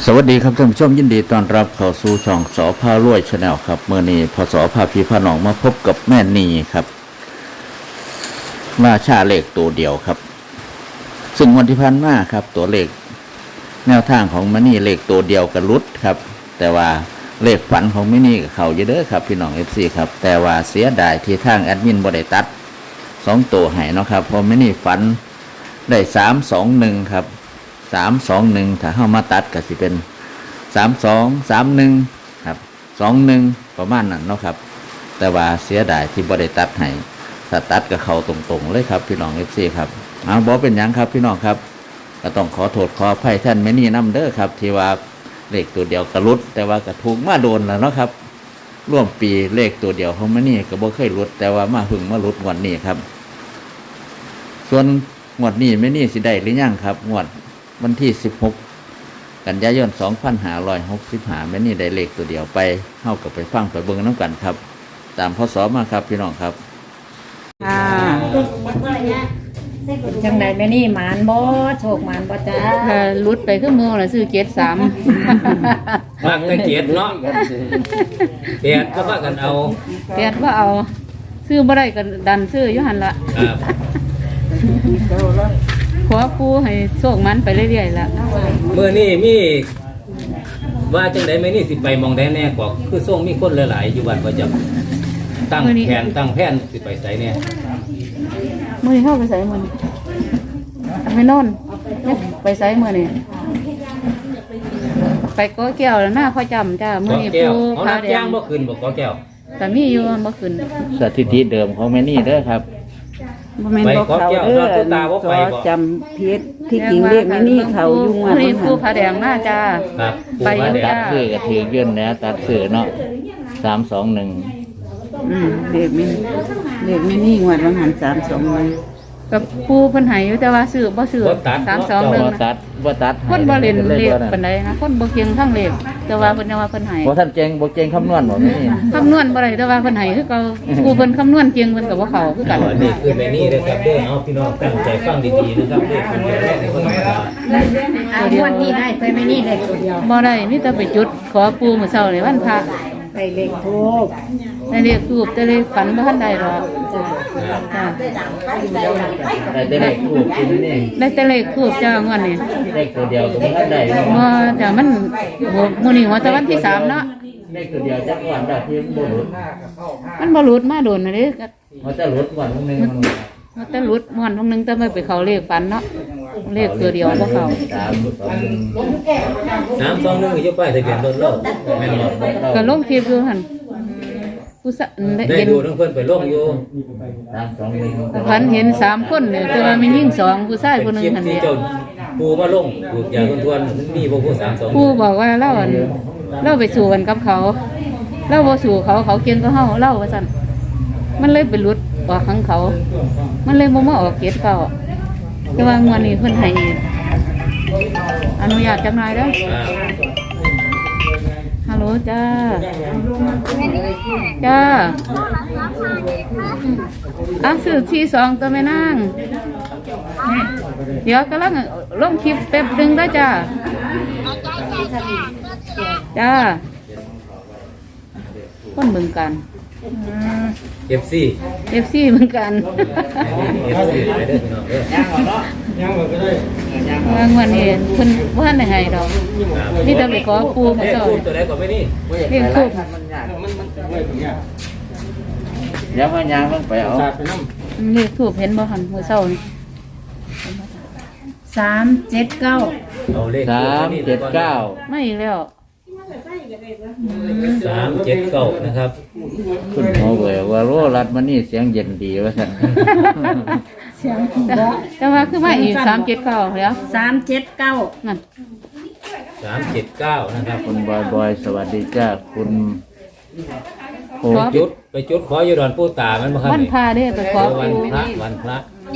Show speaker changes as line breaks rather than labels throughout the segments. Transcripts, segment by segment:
สวัสดีครับท่านผู้ชมยินดีต้อนรับเข้าสู่ช่องสอพารวยชาแนลครับเมื่อนี้พศพาพี่พาน้องมาพบกับแม่นีครับราชาเลขตัวเดียวครับซึ่งวันที่ผ่านมาครับตัวเลขแนวทางของแม่นีเลขตัวเดียวกับรุดครับแต่ว่าเลขฝันของแม่นีกับเขาเยอะเด้อครับพี่น้องFCครับแต่ว่าเสียดายที่ทางแอดมินบ่ได้ตัด2ตัวให้เนาะครับเพราะแม่นีฝันได้321ครับ321ถ้าเข้ามาตัดก็สิเป็น3231ครับ21ประมาณนั้นเนาะครับแต่ว่าเสียดายที่บ่ได้ตัดให้ถ้าตัดก็เข้าตรงๆเลยครับพี่น้อง FC ครับบ่เป็นหยังครับพี่น้องครับก็ต้องขอโทษขออภัยท่านแม่นี่นำเด้อครับที่ว่าเลขตัวเดียวกระลุดแต่ว่าก็ถูกมาโดนแล้วเนาะครับร่วมปีเลขตัวเดียวของแม่นี่ก็บ่เคยหลุดแต่ว่ามาหึงมาหลุดงวดนี้ครับส่วนงวดนี้แม่นี่สิได้หรือยังครับงวดวันที่16กันยายน2565แม่นี่ได้เลขตัวเดียวไปเฮากับไปฟังไปเบิ่งน้ำกันครับตามพศมาครับพี่น้องครับ
จังใดแม่นี่หมานบ่โชคหมานบ่จ้า
ลุดไปขึ้นมือละซื้อ73
มากแต่เกียรติเนาะเกียรติก็ว่ากันเอา
แปดว่าเอาซื้อบ่ได้ก็ดันซื้ออยู่หั่นละ
ครับ
ขอปูให้โชคมันไปเรื่อยๆละ
เมื่อนี้มีว่าจังได๋แม่นี่สิไปมองได้แน่กว่าคือส่งมีคนหลายๆอยู่บ้านประจำตั้งแผนสิไปไสแน่
มื้อนี้เข้าไปไสมื้อนี้ไปนอนไปไสมื้อนี้ไปก้อแก้วแล้วหน้าพ่อจำจ้ามื้อนี้
แก้ว
ปู
เอา
พา
น้ำ
แด
ย่าง งบ่ขึ้นบ่กอแก้ว
แต่มีอยู่บ่ขึ้น
สถิติเดิมของแม่นี่เด้อครับ
บ่แม่น
ไป
บ่
กอแก้วเราตัวตาบ่ไปบ่
จำพิษที่จริงเรียกแม่นี่เขาอยู่ว่า
มื้อนี้ปูพาแดงมาจ้า
ครับ
ไปอยู่
แด
จ้า
ง
ซื้อก็ถือยื่นแล้วตัดซื้อเนาะ321
เรียกแม่นี่งวดวันหัน321
กับปูเพิ่นให้อยู่แต่ว่าซื้อบ่ซื้อ
บ่
321
ตัด
คนบ่เล่นเลขปาน
ใด
ใดนะคนบ่เก่งทั้งเลขแต่ว่าเพิ่นว่าเพิ่นให้
บ่ท่านเก่งบ่เก่งคำนวณบ่แม่นี่
คำนวณบ่ได้แต่ว่าเพิ่นให้คือเก่าครูเพิ่นคำนวณเก่งเพิ่นก็บ่เข้าคือกัน
อันนี้คือแม่นี่เด้อครับเด้อเอาพี่น้องตั้งใจฟังดีๆนะครับเลขคนเดียวเลขในคนธรรมดา
งวดนี้ได้ไปแม่นี่ได้ตัวเดียว
บ่ได้มีแต่ไปจุดขอปู่มื้อเช้านี่วันพระ
ไปเลขทูบ
ได้เลขทูปแต่เลขฝันบ่ทันได้หรอก
ครับ
จ้า
ได้แต่เลขถูกกินนี่
ได้แต่เลขทูปจ้างวดนี้
เลขตัวเดียวก็บ่ทันได้
บ่จ้ามันมื้อนี้ว่าแต่วันที่3เนาะ
เลขตัวเดียวจักวันได้ที่บ่หลุด
มันบ่หลุดมาโดนนะเด้
มันจะหลุดวันนึงมัน
มันแต่หลุดม่วนนึงแต่ไม่ไปเข้าเลขฝันเนาะเลขตัวเดียวบ่เข้า
321อยู่ป้ายทะเบียนรถเราแม่นบ่
ก็ลงคลิปอยู่หั่นผู้สะ
ได้
เห็น
ดูทั้งเพิ่นไปลงอยู่
ฝันเห็น3คนเนี่ยแต่ว่ามีหญิง2ผู้ชายผู้หนึง
คลิป
หั่น
ที่
เนี่ย
เจ้าปูมาลงปลูกยาทวนๆมันมีบ่ผู้32
ครูบอกว่าเราไปสู่กันกับเขาเราบ่สู่เขาเก่งก็เฮาเราว่าซั่นมันเลยไปหลุดออกของเขา มันเลยบ่มาออกเกตเขาแต่ว่างวดนี้เพิ่นให้อนุญาตจักหน่อยเด้อฮัลโหลจ้าจ้าซื้อที่2ตัวแม่นางเดี๋ยวกำลังลงคลิปแป๊บนึงได้อจ้าจ้าคนเมืองกัน
FC
FC เหมือนกัน
FC ไปเด้อพี่น้องเด้อ
วางวันนี้เพิ่นบ่ทันได้ให้ดอกนี่แต่ไปขอปู่มื้อเช้า
พูดตัวใดก็ไม่นี่
เรียกทูบ
เดี๋ยวพยางมันไปเอา
เรียกทูบเห็นบ่หั่นมื้อเช้านี่
379
เอาเลข
379
มาอีกแล้ว
379นะครับ
คุณหมอเวยว่าโรรัดมันนี่เสียงเย็นดีว่าซั่น
แต่ว่าคือมาอีก379แล้ว
379
นั่น
379นะครับ
คุณบอยสวัสดีจ้าคุณโอ้
ไปจุดขออยู่ดอนปู่ตามันบ่ครับ
วัน
นี่
พาเด้ไปขอ
วัน
ปู่
พระวันพระ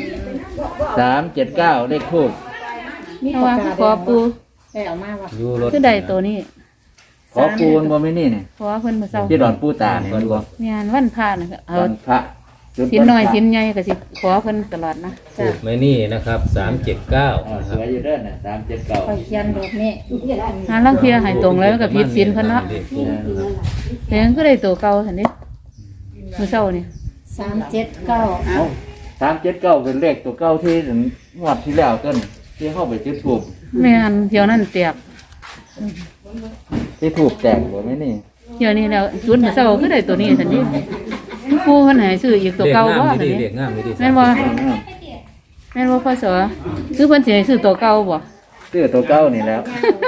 379เลขทูบ
เพราะว่าขอปู่
ได้เอามาว่า
อยู่รถ
คือใดตัวนี้
ขอปูนบ่แม่นี่นี่
ขอเพิ่นมื้อเช้า
ที่ดอนปูตาเนี่ยมันบ่
งานวันพาน่ะเอา
วันพระ
สินน้อยสินใหญ่ก็สิขอเพิ่นตลอดนะจ้ะ
ถูกไหมนี่นะครับ379
สวยอยู่เด้อน่ะ379
ไปเขียนรูปนี้
หาลังเที่ยให้ตรงแล้วก็ผิดศีลเพิ่นเนาะแต่ยังก็ได้ตัวเก่าซั่นดิมื้อเช้านี่
379
เอ้า379เป็นเลขตัวเก่าที่งวดที่แล้วต้นที่เข้าไปจุดธูป
แม่นเที่ยวนั้นแตก
ที่ธูปแตกบ่แม่นี่
เที่ยวนี้แล้วจุดมื้อเช้าคือได้ตัวนี้ซั่นดิผู้เพิ่นให้ซื้ออีกตัวเก่าบ่ซั่นดิ
เด็กงามไม่ดี
แม่นบ่แม่นบ่พ่อสอคือเพิ่นสิให้ซื้อตัวเก่าบ่
ซื้อตัวเก่านี่แล้ว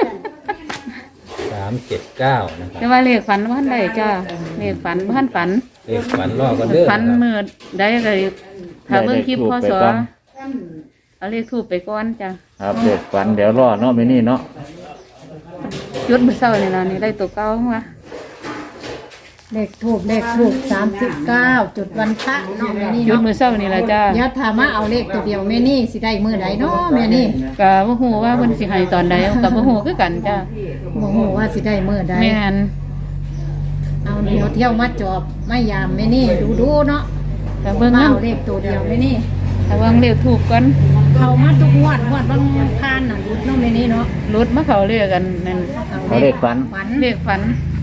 379นะครับ
แต่ว่าเลขฝันบ่ทันได้จ้าเลขฝันบ่ทันฝัน
เลขฝันรอกันเด้อ
ฝันมื้อใดก็ถ้าเบิ่งคลิปพ่อสอเอาเลขทูปไปก่อนจ้ะ
ครับเด็กฝันเดี๋ยวรอเนาะแม่นี่เนาะ
จุดมื้อเช้านี่ล่ะนี่ได้ตัวเก่ามา
เลขทูบ39จุดวันพระเนาะแม่นี่
จุด
เนาะ
มื้อเช้านี่ล่ะจ้า
เดี๋ยวถามมาเอาเลขตัวเดียวแม่นี่สิได้มื้อใดเนาะแม่นี่
ก็บ่ฮู้ว่าเพิ่นสิให้ตอนใดก็บ่ฮู้คือกันจ้า
บ่ฮู้ว่าสิได้มื้อใด
แม่น
เอาเดี๋ยวเที่ยวมาจอบมายามแม่นี่ดูเนาะ
ก็เบิ่ง
มา
นำ
เอาเลขตัวเดียวแม่นี่
ถ้าเบิ่งเลขทูปก่อน
เข้ามาทุกงวดบางพานน่ะรุดเนาะแม่นี่เนาะ
รุดมาเข้าเลขกันนั่น
เอาเลขฝัน
ฝัน
เลขฝัน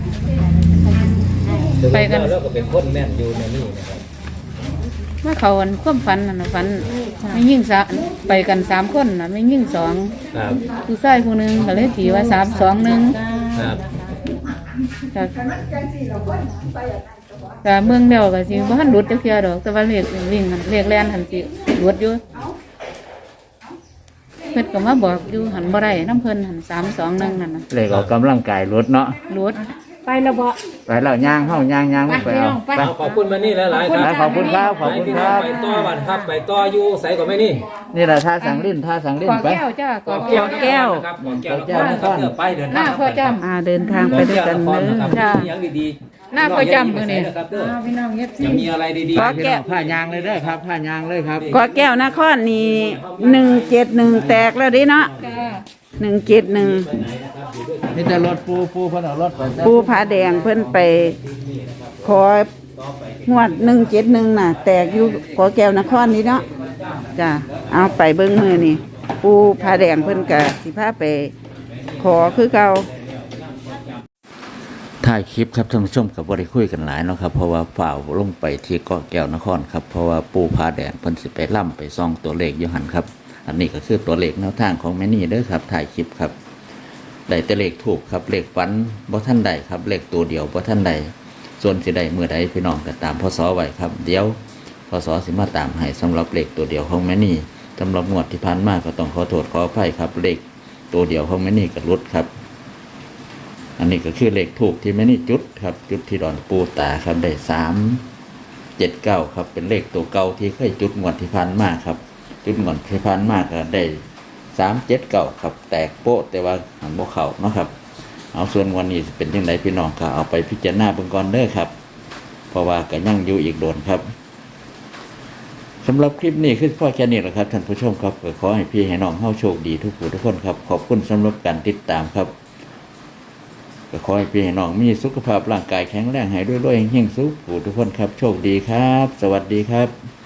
ไปกัน
แล้วก็เป็นคนแม่นอยู่ในนี่นะครับ
มาเข้าอันความฝันนั่นน่ะฝันไม่ยิ่งซะไปกัน3คนน่ะไม่ยิ่ง2
ครับ
ผู้ชายผู้หนึงก็เลยตีว่า3 2 1
ครับ
แต่เมืองเดียวก็สิบ่ทันหลุดจักเที่ยดอกแต่ว่าเลขวิ่งหันเลขแล่นหันสิหลุดอยู่เพิ่นก็มาบอกอยู่หันบ่ได้น้ำเพิ่นหัน3 2 1นั่นน่ะ
เลขออกกำลังกายรถเนาะ
หลุด
ไปแล้วบ่
ไปแล้วย่างเฮาย่างไปเอา
ไป
ไป
ขอบคุณมานี่หลายๆครับ
ขอบคุณครับขอบคุณครับ
ไปต่อบัดครับไปต่ออยู่ใส่ก่อนไหมนี่
นี่แหละท่าสังลิ้นท่าสังลิ้
ก
น
อ
ไป
แก้วจ้ากอ
แก้
แก้ว
วนะครับแก้วนะครับเดี๋ยวไปเดิน
หน้า
ทาง
พ่อจ
เดินทางไปด้วยกันเด้อ
จ้า
ยังดี
หน้าพ่อจำมื้อนี้
นะครับเด้อ
เอาพี่น้องเอฟซี
ยังมีอะไรดี
ขอ
พี่
แก้
น้
ว
องผ้ายางเลยเด้อครับผ้ายางเลยครับ
กอแก้วนครนี่171แตกแล้วดิเนาะ
จ้า
171
นี่แต่รถปูเพิ่นเอารถไป
ปูผาแดงเพิ่นไปของวด171น่ะ แตกอยู่ขอแก้วนครนี่เนาะจ้ะเอาไปเบิ่งมือนี่ปูผาแดงเพิ่นก็สิพาไปขอคือเก่า
ถ่ายคลิปครับท่านผู้ชมกับบริคุยกันหลายเนาะครับเพราะว่าฝ่าวลงไปที่เกาะแก้วนครครับเพราะว่าปูผาแดงเพิ่นสิไปล่ำไปซ่องตัวเลขอยู่หันครับอันนี้ก็คือตัวเลขแนวทางของแม่นี่เด้อครับถ่ายคลิปครับได้แต่เลขถูกครับเลขฝันบ่ท่านใดครับเลขตัวเดียวบ่ท่านใดส่วนสิได้เมื่อใดพี่น้องก็ตามพศไว้ครับเดี๋ยวพศสิมาตามให้สำหรับเลขตัวเดียวของแม่นี่สำหรับงวดที่ผ่านมาก็ต้องขอโทษขออภัยครับเลขตัวเดียวของแม่นี่ก็หลุดครับ อันนี้ก็คือเลขถูกที่แม่นี่จุดครับจุดที่ดอนปูตาครับได้379ครับเป็นเลขตัวเก่าที่เคยจุดงวดที่ผ่านมาครับจุดงวดที่ผ่านมาก็ได้379ครับแตกโป๊ะแต่ว่าหันบ่เข้าเนาะครับเอาส่วนวันนี้เป็นยังไงพี่น้องก็เอาไปพิจารณาเบิ่งก่อนเด้อครับเพราะว่าก็ยังอยู่อีกโดนครับสำหรับคลิปนี้คือพ่อแค่นี้แหละครับท่านผู้ชมครับก็ขอให้พี่ให้น้องเฮาโชคดีทุกผู้ทุกคนครับขอบคุณสำหรับการติดตามครับก็ขอให้พี่ให้น้องมีสุขภาพร่างกายแข็งแรงให้ด้วยๆเฮงๆสุขผู้ทุกคนครับโชคดีครับ สวัสดีครับ